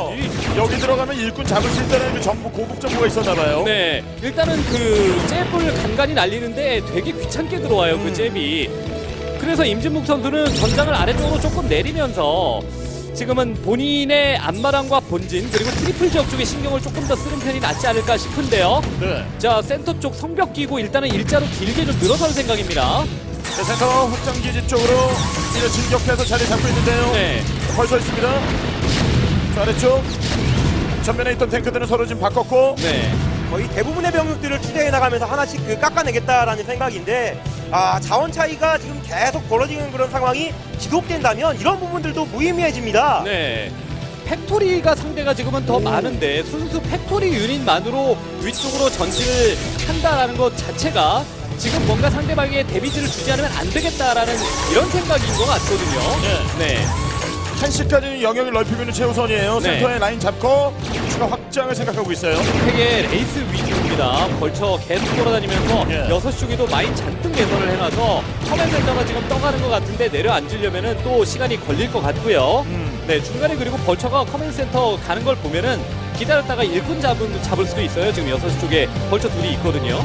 [SPEAKER 1] 여기 들어가면 일꾼 잡을 수 있다는 그 정보 고급 정보가 있었나봐요.
[SPEAKER 3] 네, 일단은 그 잽을 간간히 날리는데 되게 귀찮게 들어와요. 그 잽이. 그래서 임진묵 선수는 전장을 아래쪽으로 조금 내리면서 지금은 본인의 앞마당과 본진 그리고 트리플 지역 쪽에 신경을 조금 더 쓰는 편이 낫지 않을까 싶은데요.
[SPEAKER 1] 네.
[SPEAKER 3] 자, 센터 쪽 성벽 끼고 일단은 일자로 길게 좀 늘어설 생각입니다.
[SPEAKER 1] 자, 센터 확장기지 쪽으로 이제 진격해서 자리 잡고 있는데요.
[SPEAKER 3] 네.
[SPEAKER 1] 벌써 있습니다. 자, 아래쪽 전면에 있던 탱크들은 서로 지금 바꿨고.
[SPEAKER 3] 네.
[SPEAKER 5] 거의 대부분의 병력들을 투자해 나가면서 하나씩 그 깎아내겠다라는 생각인데 아 자원 차이가 지금 계속 벌어지는 그런 상황이 지속된다면 이런 부분들도 무의미해집니다.
[SPEAKER 3] 네. 팩토리가 상대가 지금은 더 많은데 순수 팩토리 유닛만으로 위쪽으로 전진을 한다라는 것 자체가 지금 뭔가 상대방에게 데미지를 주지 않으면 안 되겠다라는 이런 생각인 것 같거든요. 네.
[SPEAKER 1] 한시까지는 영역을 넓히고 있는 최우선이에요.
[SPEAKER 3] 네.
[SPEAKER 1] 센터에 라인 잡고 추가 확장을 생각하고 있어요.
[SPEAKER 3] 팩의 레이스 위주입니다. 벌쳐 계속 돌아다니면서
[SPEAKER 1] 예.
[SPEAKER 3] 여섯 쪽에도 마인 잔뜩 개선을 해놔서 커맨 센터가 지금 떠가는 것 같은데 내려앉으려면은 또 시간이 걸릴 것 같고요.
[SPEAKER 1] 음.
[SPEAKER 3] 네, 중간에 그리고 벌처가 커맨 센터 가는 걸 보면은 기다렸다가 일꾼 잡은, 잡을 수도 있어요. 지금 여섯 쪽에 벌처 둘이 있거든요.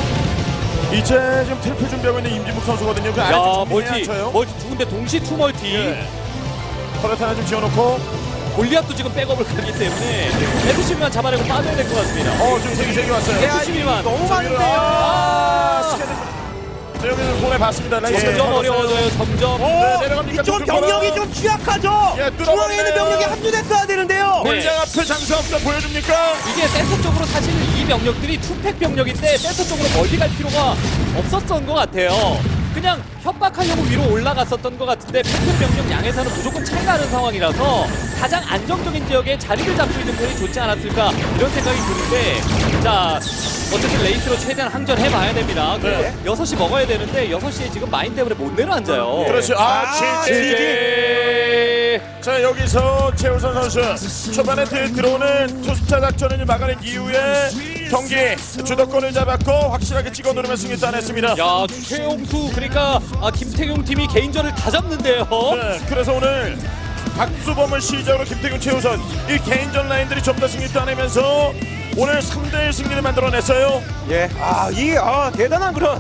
[SPEAKER 1] 이제 지금 트리플 준비하고 있는 임진묵 선수거든요. 그
[SPEAKER 3] 야,
[SPEAKER 1] 아래쪽
[SPEAKER 3] 멀티,
[SPEAKER 1] 쳐요.
[SPEAKER 3] 멀티 두 군데 동시 투 멀티.
[SPEAKER 1] 예. 터렛 하나 좀 지어놓고.
[SPEAKER 3] 골리앗도 지금 백업을 가기 때문에 에스씨비만 잡아내고 빠져야 될 것 같습니다.
[SPEAKER 1] 어, 지금 세개 세개 왔어요.
[SPEAKER 3] 에스씨비만
[SPEAKER 5] 너무 많은데요.
[SPEAKER 1] 아, 스캔들. 자, 여기서 손에 봤습니다. 라인
[SPEAKER 3] 점점
[SPEAKER 1] 스캔
[SPEAKER 3] 어려워져요. 점점.
[SPEAKER 5] 오,
[SPEAKER 1] 네, 내려갑니까?
[SPEAKER 5] 이쪽
[SPEAKER 1] 좀
[SPEAKER 5] 병력이
[SPEAKER 1] 걸어.
[SPEAKER 5] 좀 취약하죠.
[SPEAKER 1] 예, 뚫어버리네요.
[SPEAKER 5] 중앙에 있는 병력이 합류됐어야 되는데요.
[SPEAKER 3] 네.
[SPEAKER 1] 골장 앞에 장사 없다 보여줍니까?
[SPEAKER 3] 이게 센터 쪽으로 사실 이 병력들이 투팩 병력인데 센터 쪽으로 멀리 갈 필요가 없었던 것 같아요. 그냥 협박하려고 위로 올라갔었던 것 같은데 팩트 병력 양에서는 무조건 차이 나는 상황이라서 가장 안정적인 지역에 자리를 잡고 있는 편이 좋지 않았을까 이런 생각이 드는데 자 어쨌든 레이스로 최대한 항전해봐야 됩니다. 그리고
[SPEAKER 1] 네.
[SPEAKER 3] 여섯 시 먹어야 되는데 여섯 시에 지금 마인 때문에 못 내려앉아요.
[SPEAKER 1] 그렇죠. 아,
[SPEAKER 5] 아,
[SPEAKER 1] 지지. 자, 여기서 최우선 선수 초반에 들- 들어오는 투스타 작전을 막아낸 이후에 경기 주도권을 잡았고 확실하게 찍어 누르면 승리 따냈습니다.
[SPEAKER 3] 야 최용수 그러니까 아, 김태경 팀이 개인전을 다 잡는데요.
[SPEAKER 1] 네, 그래서 오늘 박수범을 시작으로 김태균, 최우선 이 개인전 라인들이 좀 더 승리 따내면서 오늘 삼 대 일 승리를 만들어냈어요.
[SPEAKER 5] 예, 아, 이 아, 대단한 그런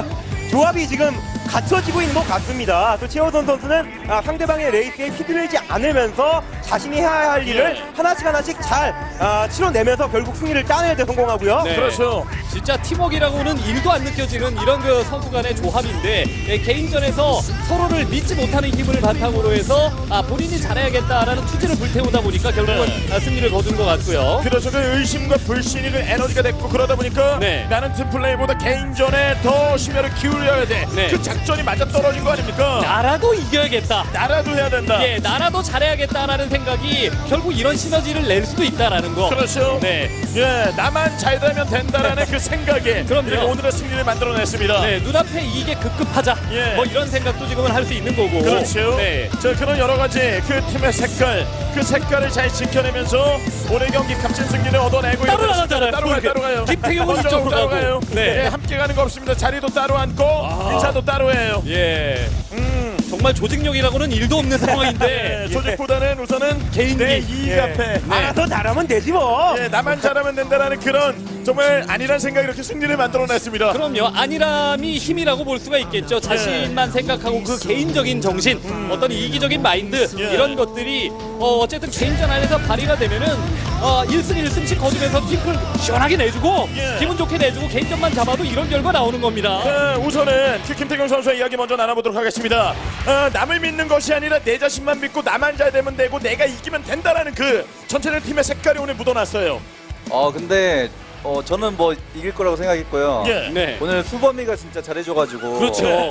[SPEAKER 5] 조합이 지금 갖춰지고 있는 것 같습니다. 또 최호선 선수는 아, 상대방의 레이스에 휘둘리지 않으면서 자신이 해야 할 일을
[SPEAKER 1] 예.
[SPEAKER 5] 하나씩 하나씩 잘 아, 치러내면서 결국 승리를 따내야 돼 성공하고요.
[SPEAKER 3] 네.
[SPEAKER 1] 그렇죠.
[SPEAKER 3] 진짜 팀워크라고는 일도 안 느껴지는 이런 그 선수 간의 조합인데 예, 개인전에서 서로를 믿지 못하는 힘을 바탕으로 해서 아, 본인이 잘해야겠다라는 투지를 불태우다 보니까 결국은
[SPEAKER 1] 네.
[SPEAKER 3] 아, 승리를 거둔 것 같고요.
[SPEAKER 1] 그래서 그 의심과 불신이 그 에너지가 됐고 그러다 보니까
[SPEAKER 3] 네.
[SPEAKER 1] 나는 팀플레이보다 개인전에 더 심혈을 기울여야 돼.
[SPEAKER 3] 네.
[SPEAKER 1] 그 작전이 맞아 떨어진 거 아닙니까?
[SPEAKER 3] 나라도 이겨야겠다.
[SPEAKER 1] 나라도 해야 된다.
[SPEAKER 3] 예, 나라도 잘해야겠다라는 생각이 결국 이런 시너지를 낼 수도 있다라는 거.
[SPEAKER 1] 그렇죠.
[SPEAKER 3] 네.
[SPEAKER 1] 예, 나만 잘 되면 된다라는 그 생각에
[SPEAKER 3] 그럼요.
[SPEAKER 1] 그리고 오늘의 승리를 만들어냈습니다.
[SPEAKER 3] 네, 눈앞에 이게 급급하자.
[SPEAKER 1] 예.
[SPEAKER 3] 뭐 이런 생각도 지금은 할 수 있는 거고.
[SPEAKER 1] 그렇죠.
[SPEAKER 3] 네.
[SPEAKER 1] 자, 그런 여러 가지 그 팀의 색깔, 그 색깔을 잘 지켜내면서 오늘 경기 값진 승리를 얻어내고
[SPEAKER 3] 따로
[SPEAKER 1] 있는
[SPEAKER 3] 나가잖아요.
[SPEAKER 1] 따로 가요, 따로 가요.
[SPEAKER 3] 김태경은
[SPEAKER 1] 먼저
[SPEAKER 3] 이쪽으로
[SPEAKER 1] 따로
[SPEAKER 3] 가고.
[SPEAKER 1] 가요.
[SPEAKER 3] 네.
[SPEAKER 1] 예, 함께 가는 거 없습니다. 자리도 따로 앉고 인사도 따로 해요.
[SPEAKER 3] 예.
[SPEAKER 1] 음.
[SPEAKER 3] 정말 조직력이라고는 일도 없는 상황인데.
[SPEAKER 1] 예, 조직보다는 우선은
[SPEAKER 3] 개인기.
[SPEAKER 1] 내 이익
[SPEAKER 3] 예.
[SPEAKER 1] 앞에
[SPEAKER 3] 네.
[SPEAKER 5] 알아서 잘하면 되지 뭐.
[SPEAKER 1] 예, 나만 잘하면 된다라는 그런 정말 아니란 생각이 이렇게 승리를 만들어냈습니다.
[SPEAKER 3] 그럼요. 안일함이 힘이라고 볼 수가 있겠죠. 자신만 생각하고 그 개인적인 정신, 어떤 이기적인 마인드
[SPEAKER 1] 예.
[SPEAKER 3] 이런 것들이 어, 어쨌든 개인전 안에서 발휘가 되면은 어, 일 승 일 승씩 거두면서 팀을 시원하게 내주고
[SPEAKER 1] 예.
[SPEAKER 3] 기분 좋게 내주고 개인전만 잡아도 이런 결과 나오는 겁니다.
[SPEAKER 1] 자, 우선은 그 김태경 선수의 이야기 먼저 나눠보도록 하겠습니다. 어, 남을 믿는 것이 아니라 내 자신만 믿고 나만 잘 되면 되고 내가 이기면 된다라는 그 전체적 팀의 색깔이 오늘 묻어났어요.
[SPEAKER 6] 어 근데 어 저는 뭐 이길 거라고 생각했고요.
[SPEAKER 1] 예.
[SPEAKER 3] 네.
[SPEAKER 6] 오늘 수범이가 진짜 잘해줘가지고
[SPEAKER 3] 그렇죠.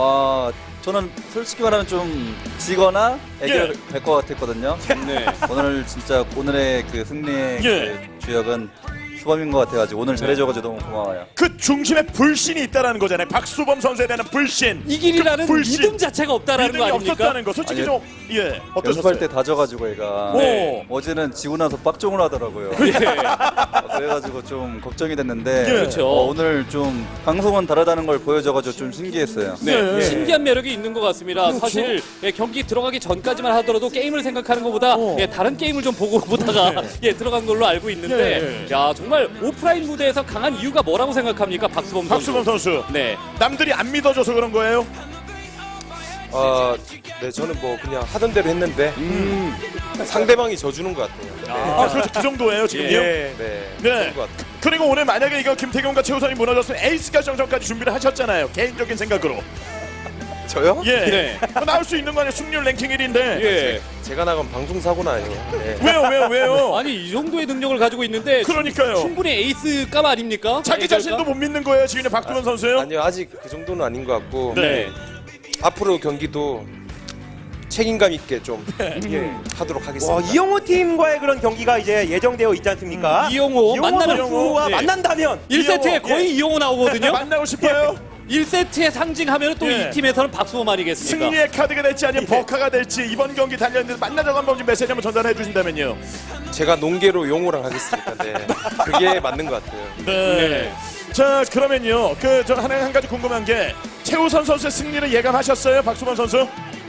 [SPEAKER 6] 와 저는 솔직히 말하면 좀 지거나 애결
[SPEAKER 1] 예.
[SPEAKER 6] 될 것 같았거든요.
[SPEAKER 3] 네.
[SPEAKER 6] 오늘 진짜 오늘의 그 승리의
[SPEAKER 1] 예.
[SPEAKER 6] 그 주역은 수범인 것 같아가지고 오늘 잘해줘가지고 너무 고마워요.
[SPEAKER 1] 그 중심에 불신이 있다라는 거잖아요. 박수범 선수에 대한 불신.
[SPEAKER 3] 이 길이라는
[SPEAKER 1] 그 불신.
[SPEAKER 3] 믿음 자체가 없다라는 거
[SPEAKER 1] 믿음이
[SPEAKER 3] 아닙니까?
[SPEAKER 1] 없었다는 거. 솔직히
[SPEAKER 6] 아니,
[SPEAKER 1] 좀 예, 어떠셨어요?
[SPEAKER 6] 연습할 때 다져가지고 얘가
[SPEAKER 1] 네.
[SPEAKER 6] 어제는 지고 나서 빡종을 하더라고요.
[SPEAKER 3] 예.
[SPEAKER 6] 어, 그래가지고 좀 걱정이 됐는데
[SPEAKER 1] 예.
[SPEAKER 3] 그렇죠.
[SPEAKER 6] 어, 오늘 좀 방송은 다르다는 걸 보여줘가지고 좀 신기했어요.
[SPEAKER 3] 네,
[SPEAKER 1] 네.
[SPEAKER 3] 신기한 매력이 있는 것 같습니다. 사실 예, 경기 들어가기 전까지만 하더라도 게임을 생각하는 것보다
[SPEAKER 1] 어.
[SPEAKER 3] 예, 다른 게임을 좀 보고 보다가 예, 들어간 걸로 알고 있는데
[SPEAKER 1] 예.
[SPEAKER 3] 야 정말 오프라인 무대에서 강한 이유가 뭐라고 생각합니까, 박수범 선수?
[SPEAKER 1] 박수범 선수.
[SPEAKER 3] 네,
[SPEAKER 1] 남들이 안 믿어줘서 그런 거예요?
[SPEAKER 5] 어, 네, 저는 뭐 그냥 하던 대로 했는데 상대방이 져주는 것 같아요.
[SPEAKER 1] 아, 그렇죠. 그 정도예요, 지금요?
[SPEAKER 5] 네, 네,
[SPEAKER 1] 네.
[SPEAKER 5] 그런 것 같아요.
[SPEAKER 1] 그리고 오늘 만약에 이거 김태경과 최우선이 무너졌으면 에이스가 정전까지 준비를 하셨잖아요. 개인적인 생각으로.
[SPEAKER 5] 저요?
[SPEAKER 1] 예.
[SPEAKER 3] 네.
[SPEAKER 1] 뭐 나올 수 있는 거 아니에요? 승률 랭킹 일 위인데.
[SPEAKER 3] 예.
[SPEAKER 5] 제가 나간 방송 사고는 아니에요. 네.
[SPEAKER 1] 왜요, 왜요, 왜요?
[SPEAKER 3] 아니 이 정도의 능력을 가지고 있는데
[SPEAKER 1] 그러니까요.
[SPEAKER 3] 충분히 에이스값 아닙니까?
[SPEAKER 1] 자기
[SPEAKER 3] 에이스값?
[SPEAKER 1] 자신도 못 믿는 거예요, 지금 박두원 선수요?
[SPEAKER 5] 아니요, 아직 그 정도는 아닌 것 같고
[SPEAKER 1] 네.
[SPEAKER 5] 앞으로 경기도 책임감 있게 좀 예, 하도록 하겠습니다.
[SPEAKER 7] 와, 이영호 팀과의 그런 경기가 이제 예정되어 있지 않습니까?
[SPEAKER 3] 음, 이영호 만나면
[SPEAKER 7] 선수와
[SPEAKER 3] 예.
[SPEAKER 7] 만난다면
[SPEAKER 3] 일 세트에
[SPEAKER 1] 이영호,
[SPEAKER 3] 거의
[SPEAKER 1] 예.
[SPEAKER 3] 이영호 나오거든요.
[SPEAKER 1] 만나고 싶어요?
[SPEAKER 3] 일 세트의 상징하면 또 이
[SPEAKER 1] 예.
[SPEAKER 3] 팀에서는 박수범 아니겠습니까?
[SPEAKER 1] 승리의 카드가 될지 아니면 버카가 될지 이번 경기 달렸는데 만나자고 한번 좀 메시지 한번 전달해 주신다면요.
[SPEAKER 5] 제가 농계로 용호랑 하겠습니다. 네. 그게 맞는 것 같아요.
[SPEAKER 1] 네. 자, 그러면요. 그 저 하나 한 가지 궁금한 게 최우선 선수의 승리를 예감하셨어요, 박수범 선수?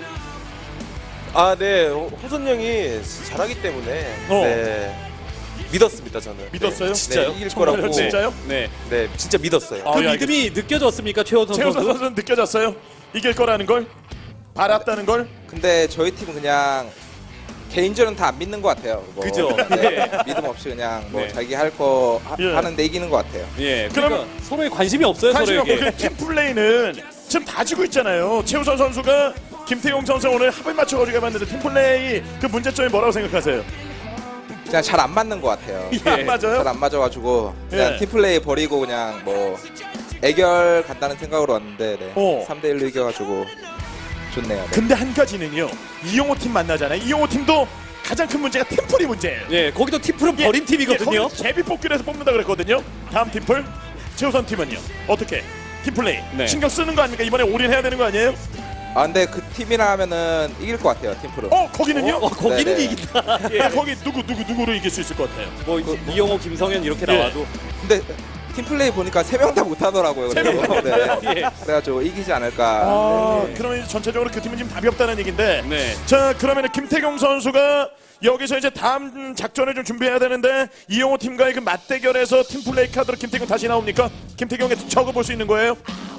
[SPEAKER 5] 아, 네. 호- 호선 형이 잘하기 때문에
[SPEAKER 1] 어.
[SPEAKER 5] 네. 믿었습니다, 저는.
[SPEAKER 1] 믿었어요?
[SPEAKER 5] 네,
[SPEAKER 1] 진짜요?
[SPEAKER 5] 네, 이길
[SPEAKER 1] 정말요?
[SPEAKER 5] 거라고.
[SPEAKER 1] 진짜요?
[SPEAKER 3] 네.
[SPEAKER 5] 네, 진짜 믿었어요.
[SPEAKER 1] 아,
[SPEAKER 3] 그
[SPEAKER 1] 예,
[SPEAKER 3] 믿음이 느껴졌습니까, 최호선
[SPEAKER 1] 최우선
[SPEAKER 3] 선수?
[SPEAKER 1] 선수는 느껴졌어요? 이길 거라는 걸? 알았다는 걸?
[SPEAKER 8] 근데 저희 팀은 그냥 개인전은 다 안 믿는 것 같아요. 뭐,
[SPEAKER 3] 그죠?
[SPEAKER 8] 네, 믿음 없이 그냥 뭐
[SPEAKER 3] 네.
[SPEAKER 8] 자기 할 거
[SPEAKER 1] 예.
[SPEAKER 8] 하는데 이기는 것 같아요.
[SPEAKER 3] 예.
[SPEAKER 1] 그럼-
[SPEAKER 3] 그러니까 서로에 관심이 없어요,
[SPEAKER 1] 관심 없고
[SPEAKER 3] 서로에게.
[SPEAKER 1] 그 팀 플레이는 지금 다 지고 있잖아요. 최우선 선수가 김태용 선수 오늘 합을 맞춰가지고 해봤는데 팀 플레이 그 문제점이 뭐라고 생각하세요?
[SPEAKER 8] 그냥 잘 안 맞는 것 같아요.
[SPEAKER 1] 안 맞아요?
[SPEAKER 8] 잘 안 맞아가지고 그냥
[SPEAKER 1] 예.
[SPEAKER 8] 팀플레이 버리고 그냥 뭐 애결 간다는 생각으로 왔는데 네.
[SPEAKER 1] 어.
[SPEAKER 8] 삼 대 일로 이겨가지고 좋네요. 네.
[SPEAKER 1] 근데 한 가지는요. 이용호 팀 만나잖아요. 이용호 팀도 가장 큰 문제가 팀플이 문제예요.
[SPEAKER 3] 예, 거기도 티프는
[SPEAKER 1] 예,
[SPEAKER 3] 버린 팀이거든요.
[SPEAKER 1] 예, 거기 제비 뽑기로 해서 뽑는다 그랬거든요. 다음 팀플 최우선 팀은요. 어떻게? 팀플레이
[SPEAKER 3] 네.
[SPEAKER 1] 신경 쓰는 거 아닙니까? 이번에 올인해야 되는 거 아니에요?
[SPEAKER 8] 아 근데 그 팀이랑 하면은 이길 것 같아요. 팀프로.
[SPEAKER 1] 어 거기는요?
[SPEAKER 3] 어, 거기는
[SPEAKER 8] 네네.
[SPEAKER 3] 이긴다.
[SPEAKER 1] 예, 거기 누구 누구 누구로 이길 수 있을 것 같아요?
[SPEAKER 3] 뭐 이영호, 김성현 이렇게
[SPEAKER 1] 예.
[SPEAKER 3] 나와도
[SPEAKER 8] 근데 팀플레이 보니까 세 명 다 못하더라고요.
[SPEAKER 1] 세 명
[SPEAKER 8] 그래서 네.
[SPEAKER 3] 예.
[SPEAKER 8] 그래가지고 이기지 않을까.
[SPEAKER 1] 아,
[SPEAKER 8] 네.
[SPEAKER 1] 그러면 이제 전체적으로 그 팀은 지금 답이 없다는 얘기인데.
[SPEAKER 3] 네.
[SPEAKER 1] 자, 그러면 김태경 선수가 여기서 이제 다음 작전을 좀 준비해야 되는데 이용호 팀과의 그 맞대결에서 팀플레이 카드로 김태경 다시 나옵니까? 김태경에 적어볼 수 있는 거예요?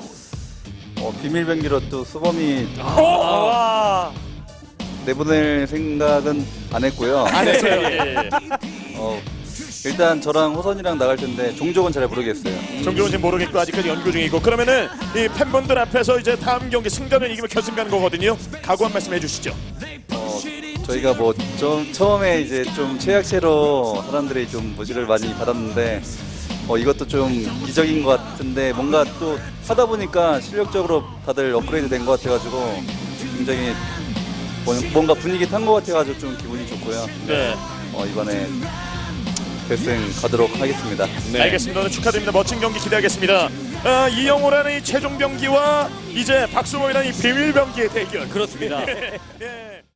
[SPEAKER 6] 어, 비밀 병기로 또 수범이
[SPEAKER 7] 와,
[SPEAKER 6] 내보낼 생각은 안 했고요.
[SPEAKER 1] 안 했어요. 예.
[SPEAKER 6] 어, 일단 저랑 호선이랑 나갈 텐데 종족은 잘 모르겠어요.
[SPEAKER 1] 정규는 지금 모르겠고 아직까지 연구 중이고 그러면은 이 팬분들 앞에서 이제 다음 경기 승자는 이기면 결승 가는 거거든요. 각오 한 말씀 해주시죠.
[SPEAKER 6] 어, 저희가 뭐 좀 처음에 이제 좀 최약체로 사람들이 좀 무시를 많이 받았는데 어, 이것도 좀 기적인 것 같은데 뭔가 또 하다 보니까 실력적으로 다들 업그레이드 된 것 같아가지고 굉장히 뭐- 뭔가 분위기 탄 것 같아가지고 좀 기분이 좋고요.
[SPEAKER 1] 네.
[SPEAKER 6] 어, 이번에 결승 가도록 하겠습니다.
[SPEAKER 1] 알겠습니다. 오늘 축하드립니다. 멋진 경기 기대하겠습니다. 아, 이영호라는 이 최종 병기와 이제 박수범이라는 이 비밀 병기의 대결.
[SPEAKER 3] 그렇습니다.
[SPEAKER 1] 예.